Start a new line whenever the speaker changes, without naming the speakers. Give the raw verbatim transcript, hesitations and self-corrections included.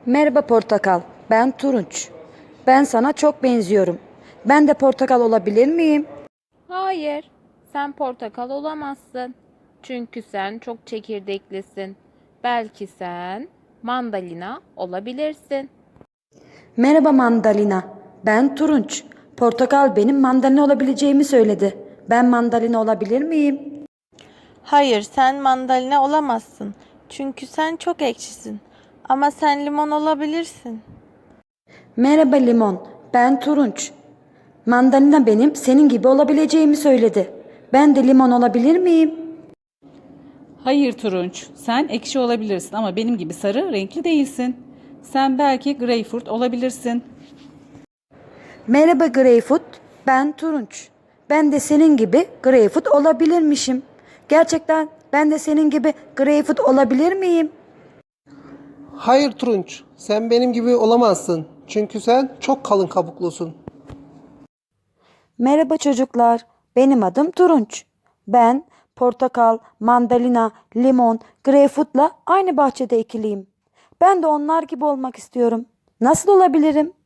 Merhaba Portakal, ben Turunç. Ben sana çok benziyorum. Ben de portakal olabilir miyim?
Hayır, sen portakal olamazsın. Çünkü sen çok çekirdeklisin. Belki sen mandalina olabilirsin.
Merhaba Mandalina, ben Turunç. Portakal benim mandalina olabileceğimi söyledi. Ben mandalina olabilir miyim?
Hayır, sen mandalina olamazsın. Çünkü sen çok ekşisin. Ama sen limon olabilirsin.
Merhaba Limon, ben Turunç. Mandalina benim senin gibi olabileceğimi söyledi. Ben de limon olabilir miyim?
Hayır Turunç, sen ekşi olabilirsin ama benim gibi sarı renkli değilsin. Sen belki greyfurt olabilirsin.
Merhaba Greyfoot, ben Turunç. Ben de senin gibi Greyfoot olabilirmişim. Gerçekten ben de senin gibi Greyfoot olabilir miyim?
Hayır Turunç, sen benim gibi olamazsın. Çünkü sen çok kalın kabuklusun.
Merhaba çocuklar, benim adım Turunç. Ben portakal, mandalina, limon, greyfurtla aynı bahçede ekiliyim. Ben de onlar gibi olmak istiyorum. Nasıl olabilirim?